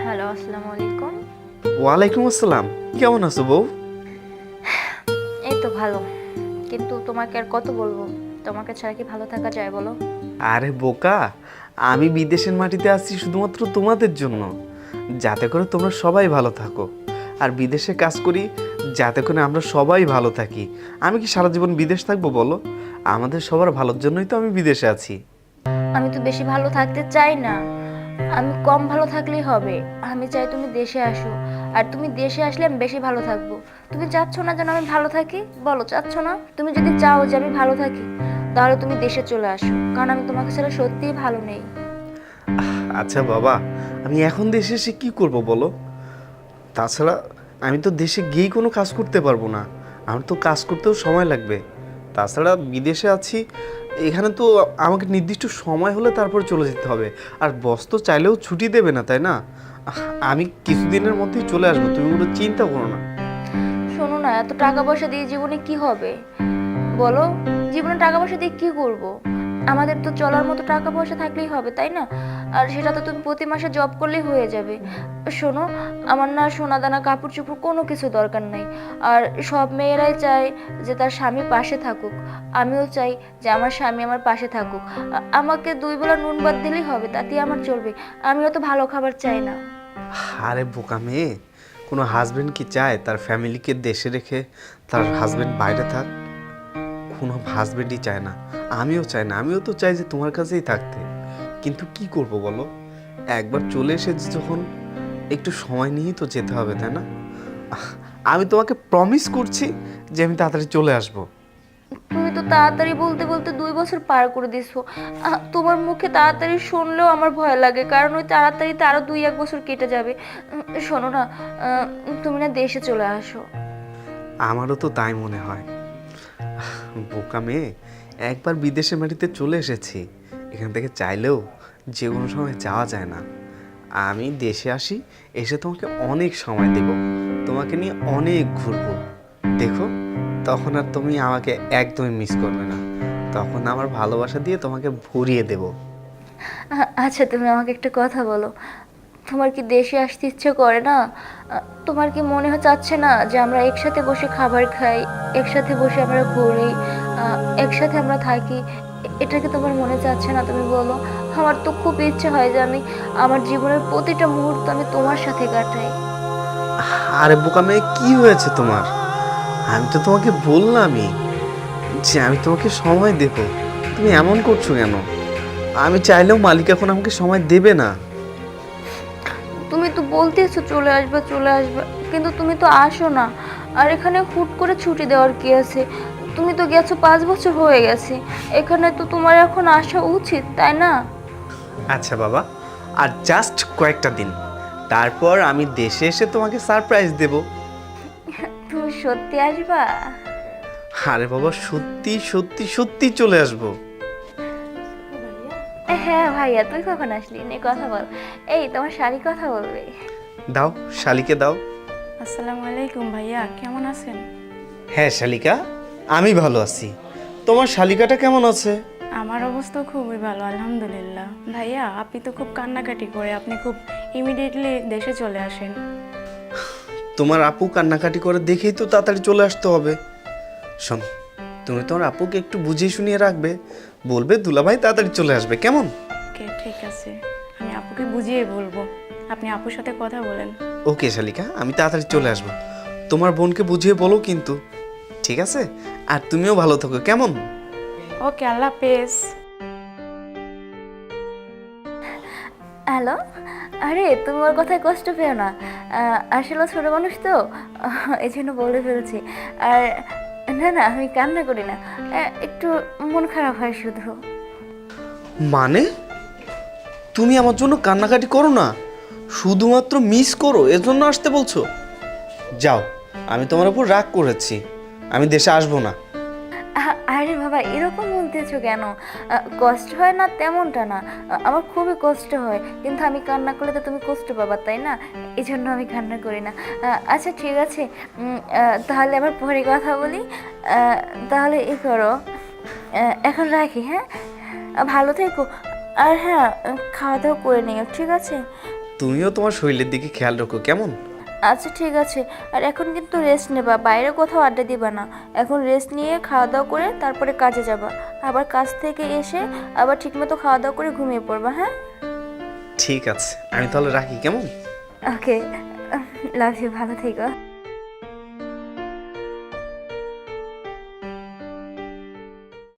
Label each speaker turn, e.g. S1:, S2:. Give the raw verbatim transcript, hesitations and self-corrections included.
S1: Hello, আসসালামু আলাইকুম।
S2: ওয়ালাইকুম আসসালাম। কেমন আছো বউ?
S1: এই তো ভালো, কিন্তু তোমাকে আর কত বলবো? তোমাকে ছাড়া কি ভালো থাকা যায় বলো?
S2: আরে বোকা, আমি বিদেশের মাটিতে আসছি শুধুমাত্র তোমাদের জন্য, যাতে করে তোমরা সবাই ভালো থাকো। আর বিদেশে কাজ করি যাতে করে আমরা সবাই ভালো থাকি। আমি কি সারা জীবন বিদেশ থাকবো বলো? আমাদের সবার ভালোর জন্যই তো আমি বিদেশে আছি।
S1: আমি তো বেশি ভালো থাকতে চাই না, আমি কম ভালো থাকলেই হবে। আমি চাই তুমি দেশে আসো, আর তুমি দেশে আসলে আমি বেশি ভালো থাকবো। তুমি চাচ্ছ না যেন আমি ভালো থাকি? বলো, চাচ্ছ না? তুমি যদি চাও যে আমি ভালো থাকি, তাহলে তুমি দেশে চলে আসো, কারণ আমি তোমাকে ছাড়া সত্যিই ভালো নেই।
S2: আচ্ছা বাবা, আমি এখন দেশে এসে কি করব বলো? তাছাড়া আমি তো দেশে গিয়েই কোনো কাজ করতে পারবো না, আমার তো কাজ করতেও সময় লাগবে। তাছাড়া বিদেশে আছি, এখানে তো আমাকে নির্দিষ্ট সময় হলে তারপর চলে যেতে হবে। আর বস তো চাইলেও ছুটি দেবে না, তাই না? আহ, আমি কিছুদিনের মধ্যেই চলে আসবো, তুমি কোনো চিন্তা করো না।
S1: শোনো না, এত টাকা পয়সা দিয়ে জীবনে কি হবে বলো? জীবনে টাকা পয়সা দিয়ে কি করব? আমাদের তো চলার মতো টাকা পয়সা থাকলেই হবে, তাই না? আর সেটা তো তুমি প্রতি মাসে জব করলেই হয়ে যাবে। শোনো, আমার না সোনা দানা কাপড় চোপড় কোনো কিছু দরকার নেই। আর সব মেয়েরাই চায় যে তার স্বামী পাশে থাকুক। আমিও চাই যে আমার স্বামী আমার পাশে থাকুক। আ- আমাকে দুই বেলা নুন ভাত দিলেই হবে, তাতেই আমার চলবে। আমিও তো ভালো খাবার চাই না।
S2: আরে বোকা মেয়ে, কোনো হাজবেন্ড কি চায় তার ফ্যামিলিকে দেশে রেখে তার হাজবেন্ড বাইরে থাক? কোনো হাজবেন্ডই চায় না, আমিও চাই না। আমিও তো চাই যে তোমার কাছেই থাকতে, কিন্তু কি করব বলো? একবার চলে এসেছি যখন, একটু সময় নিয়েই তো যেতে হবে, তাই না? আহ, আমি তোমাকে প্রমিস করছি যে আমি তাড়াতাড়ি চলে আসব।
S1: তুমি তো তাড়াতাড়ি বলতে বলতে দুই বছর পার করে দিছো। আহ, তোমার মুখে তাড়াতাড়ি শুনলেও আমার ভয় লাগে, কারণ ওই তাড়াতাড়িতে আরো দুই এক বছর কেটে যাবে। উম, শোনো না, আহ, তুমি না দেশে চলে আসো।
S2: আমারও তো তাই মনে হয়। আহ, বোকা মেয়ে, একবার বিদেশে মাটিতে চলে এসেছি, এখান থেকে চাইলেও যে কোনো সময় যাওয়া যায় না। আমি দেশে আসি, এসে তোমাকে অনেক সময় দেব, তোমাকে নিয়ে অনেক ঘুরবো। দেখো, তখন আর তুমি আমাকে একদমই মিস করবে না। তখন আমার ভালোবাসা দিয়ে তোমাকে ভরিয়ে দেব।
S1: আহ, আচ্ছা, তুমি আমাকে একটা কথা বলো, তোমার কি দেশে আসতে ইচ্ছে করে না? আহ, তোমার কি মনে হয় চাচ্ছে না যে আমরা একসাথে বসে খাবার খাই, একসাথে বসে আমরা ঘুরি, আহ, একসাথে আমরা থাকি? এ- এটা কি তোমার মনে চাচ্ছে না? তুমি বলো। আমার তো খুব ইচ্ছে হয় যে আমি আমার জীবনের প্রতিটা মুহূর্ত আমি তোমার সাথে কাটাই।
S2: আরে বোকা মেয়ে, কি হয়েছে তোমার? আমি তো তোমাকে বললামই যে আমি তোমাকে সময় দেব। তুমি এমন করছো কেন? আমি চাইলেও মালিক এখন আমাকে সময় দেবে না।
S1: তুমি তো বলতেছো চলে আসবে চলে আসবে, কিন্তু তুমি তো আসো না। আর এখানে হুট করে ছুটি দেওয়ার কি আছে? তুমি তো গেছো, পাঁচ বছর হয়ে গেছে। এখানে তো তোমার এখন আসা উচিত, তাই না?
S2: আচ্ছা বাবা, আর জাস্ট কয়েকটা দিন, তারপর আমি দেশে এসে তোমাকে সারপ্রাইজ দেব।
S1: তুমি সত্যি আসবা?
S2: আরে বাবা, সত্যি সত্যি সত্যি চলে আসবো।
S1: হ্যাঁ ভাইয়া, তুই কখন আসলি? নে কথা বল। এই, তোমার শাড়ি কথা বলবে।
S2: দাও, শালিকে দাও।
S3: আসসালামু আলাইকুম ভাইয়া, কেমন আছেন?
S2: হ্যাঁ শালিকা, আমি ভালো আছি। তোমার শালিকাটা কেমন আছে?
S3: আমার অবস্থা খুবই ভালো, আলহামদুলিল্লাহ। ভাইয়া, আপনি তো খুব কান্নাকাটি করে আপনি খুব ইমিডিয়েটলি দেশে চলে আসেন।
S2: তোমার আপু কান্নাকাটি করে দেখেই তো তাড়াতাড়ি চলে আসতে হবে। শোন, তুমি তোমার আপুকে একটু বুঝিয়ে শুনিয়ে রাখবে, বলবে দুলাভাই তাড়াতাড়ি চলে আসবে, কেমন?
S3: ওকে, ঠিক আছে, আমি আপুকে বুঝিয়ে বলবো। আপনি আপুর সাথে কথা বলেন।
S2: ওকে শালিকা, আমি তাড়াতাড়ি চলে আসবো। তোমার বোনকে বুঝিয়ে বলো কিন্তু, ঠিক আছে? আর তুমিও ভালো থাকো, কেমন?
S3: ওকে, আল্লাহ হাফেজ।
S1: হ্যালো। আরে, তুমি ওর কথায় কষ্ট পেও না। আহ, আসলে ও ছোট মানুষ তো, আহ, এই জন্য বলে ফেলছি। আর না না, আমি কান্না করি না, আহ, একটু মন খারাপ হয় শুধু।
S2: মানে তুমি আমার জন্য কান্নাকাটি করো না, শুধুমাত্র মিস করো এজন্য আসতে বলছো? যাও, আমি তোমার উপর রাগ করেছি, আমি দেশে আসবো না।
S1: আ- আরে বাবা, এরকম বলতেছো কেন? আহ, কষ্ট হয় না তেমনটা না। আহ, আমার খুবই কষ্ট হয়, কিন্তু আমি কান্না করলে তো তুমি কষ্ট পাবা, তাই না? এই জন্য আমি কান্না করি না। আহ, আচ্ছা ঠিক আছে, উম, আহ, তাহলে আবার পরে কথা বলি। আহ, তাহলে ই করো, আহ, এখন রাখি, হ্যাঁ? আহ, ভালো থেকো। আর হ্যাঁ, আহ, খাওয়া দাওয়া করে নিও, ঠিক আছে?
S2: তুমিও তোমার শরীরের দিকে খেয়াল রাখো, কেমন?
S1: আচ্ছা ঠিক আছে। আর এখন কিন্তু রেস্ট নেবা, বাইরে কোথাও আড্ডা দিবা না। এখন রেস্ট নিয়ে খাওয়া দাওয়া করে তারপরে কাজে যাবা। আবার কাজ থেকে এসে আবার ঠিকমতো খাওয়া দাওয়া করে ঘুমিয়ে পড়বা, হ্যাঁ?
S2: ঠিক আছে, আমি তাহলে রাখি, কেমন?
S1: ওকে, লাভ ইউ, ভালো থেকো।